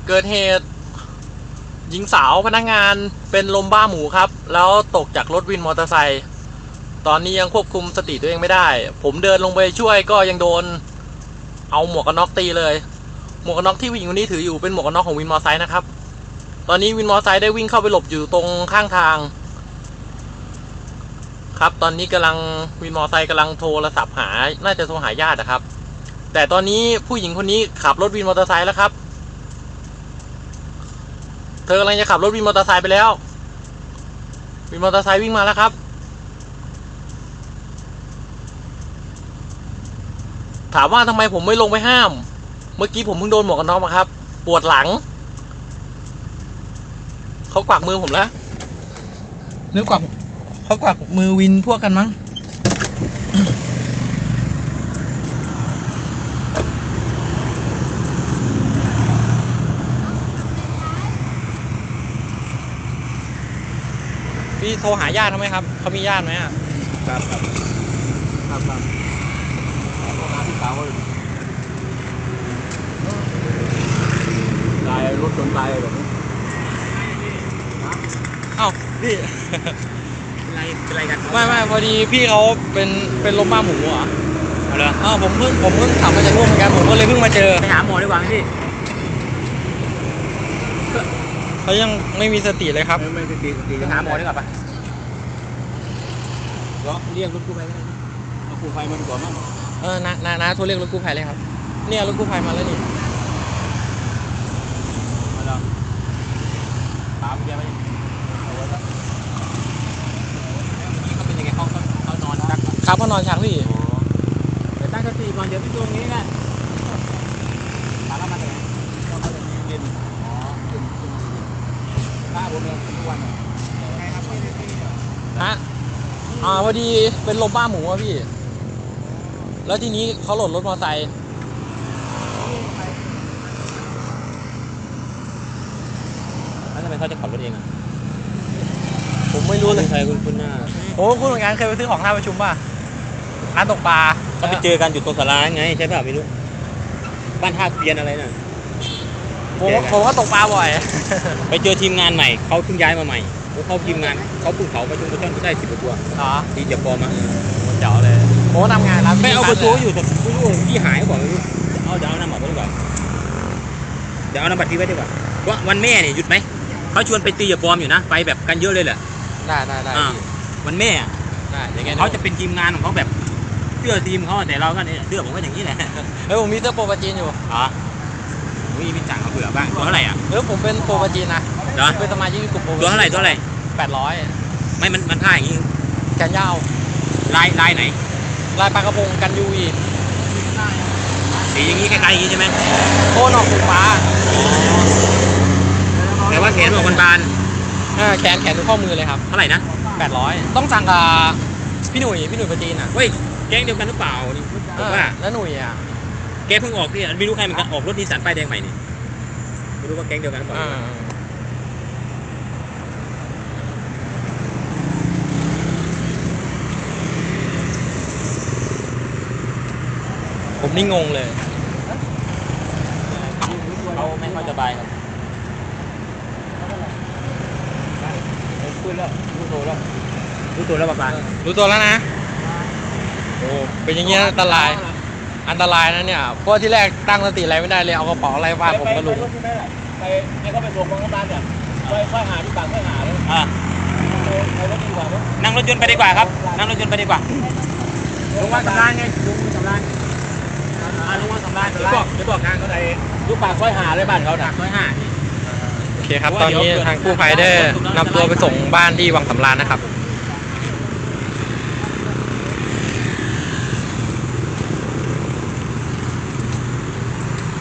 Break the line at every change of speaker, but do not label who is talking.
เกิดเหตุหญิงสาวพนักงานเป็นลมบ้าหมูครับแล้วตกจากรถวินมอเตอร์ไซค์ตอนนี้ยังควบคุมสติตัวเองไม่ได้ผมเดินลงไปช่วยก็ยังโดนเอาหมวกกันน็อกตีเลยหมวกกันน็อกที่ผู้หญิงคนนี้ถืออยู่เป็นหมวกกันน็อกของวินมอเตอร์ไซค์นะครับตอนนี้วินมอเตอร์ไซค์ได้วิ่งเข้าไปหลบอยู่ตรงข้างทางครับตอนนี้วินมอเตอร์ไซค์กำลังโทรศัพท์หาน่าจะโทรหาญาตินะครับแต่ตอนนี้ผู้หญิงคนนี้ขับรถวินมอเตอร์ไซค์แล้วครับเธอกำลังจะขับรถวินมอเตอร์ไซค์ไปแล้ววินมอเตอร์ไซค์วิ่งมาแล้วครับถามว่าทำไมผมไม่ลงไปห้ามเมื่อกี้ผมเพิ่งโดนหมวกกันน็อกมาครับปวดหลังเขากวักมือผมแล้วนึกกวักเขากวักมือวินพวกกันมั้งพี่โทรหาญาติเขาไหมครับเขามีญาติไหมอ่ะ
ครับโทรหาพี่สาวเลยตายรถชนตายแบบนี้
เอ้าพี่
เป็นไรกัน
ไม่พอดีพี่เขาเป็นลมบ้าหมูเหรอ
เอาเลย
ผมเพิ่งขับมาจากนู่นเหมือนกันผมก็เลยเพิ่งมาเจอ
ไปหาหมอดีกว่าพี่
เขายังไม่มีสติเลยครับ
ไม่สติไปหาหมอดีกว่าปะก็เรียกรถกู้ภัยเอากู้ภัยมันก่อนมั้ง
น้าโทรเรียกรถกู้ภัยเลยครับเนี่ยรถกู้ภัยมาแล้วนี่
มาแล้วตามแกไปเอาไว้แล้วนี่เขาเป็นยังไงเขานอนชัก
ครับเขานอนชักพี่
เดี๋ยวตั้งสติก่อนเดี๋ยวพี่ตรงนี้นะมาแล้วมาเลยเราก็จะเย็นหน้าผมเนี่ยทุกวันไงครับ
ฮะพอดีเป็นลมบ้าหมูอะพี่แล้วทีนี้เขาหล่นรถมอเตอร์ไซค์
แล้วทำไมเขาจะขับรถเองอ่ะ
ผมไม่รู้เลย
ใครคุณหน้า
คุณเหมือนกันเคยไปซื้อของท่าประชุมป่ะร้านตกปลา
เขาไปเจอกันอยู่ตรงศาลาไงใช่ป่ะไม่รู้บ้านท่าเกวียนอะไรน่ะ
ผมก็ตกปลาบ่อย
ไปเจอทีมงานใหม่เขาเพิ่งย้ายมาใหม่เขาทีมงานเขาเพิ่งเขาประชุมประชันได้10 กว่าตัวที่จะพอมา
เจ๋อเลยผมทำงานร้าน
ไม่เอาประตูอยู่แต่ไม่รู้พี่หายบอกไม่รู้เดี๋ยวเอาน้ำบัตรไว้ดีกว่าเดี๋ยวเอาน้ำบัตรพี่ไว้ดีกว่าว่าวันแม่เนี่ยหยุดไหมเขาชวนไปตีอย่าปลอมอยู่นะไปแบบกันเยอะเลยแหละ
ได้
วันแม่
ได้
เขาจะเป็นทีมงานของเขาแบบเสื้อทีมเขาแต่เราก็เนี่ยเสื้อผมก็อย่างนี้แหละ
ผมมีเสื้อโปรปาจีนอยู่
มีพี่จังเขาเผื่อบ้างตัวเท่าไหร่อ่ะ
ผมเป็นโปรปาจีนนะเป็นสมาชิกกลุ่มโปร
ตัวเท่าไหร่
800
ไม่มันท่าอย่างนี้
แขนยาว
ลายไหน
ลายปลากระพงกันยูวี
สีอย่างนี้คล้ายๆอย่างนี้ใช่ไหม
โทนออกสีฟ้า
แต่ว่าแขนออกบาน
แขนดูข้อมือเลยครับ
เท่าไหร่นะ
800ต้องสั่งกับพี่หนุ่ยปาจีนอ่ะ
เฮ้ยแก๊งเดียวกันหรือเปล่านี่ผมว่า
แล้วหนุ่ยอ่ะ
แกเพิ่งออกนี่ไม่รู้ใครเหมือนกันออกรถนิสสันป้ายแดงใหม่นี่ไม่รู้ว่าแก๊งเดียวกันหรือเปล่า
ผมนี่งงเลย
เขาไม่ค่อยสบายครับคุยแล้วรู้ตัวแล้วป้า
รู้ตัวแล้วนะโอ้เป็นอย่างเงี้ยอันตรายนะเนี่ยเพราะที่แรกตั้งสติอะไรไม่ได้เลยเอากระเป๋าอะไรฟาดผมก็ลุก
ไปให้เขาไปส่งโรงพยาบาลเนี่ยค่อยหาที่ปากค่อยหาเลยนั่งรถยนต์ไปดีกว่าครับนั่งรถยนต์ไปดีกว่าลงมาสำราญไงลงมาสำราญเดี๋ยวบอกทางเขาไหนลูกปากค่อยหาเลยบ้านเขาค่อยหา
โอเคครับตอนนี้ทางกู้ภัยได้นำตัวไปส่งบ้านที่วังสำราญนะครับ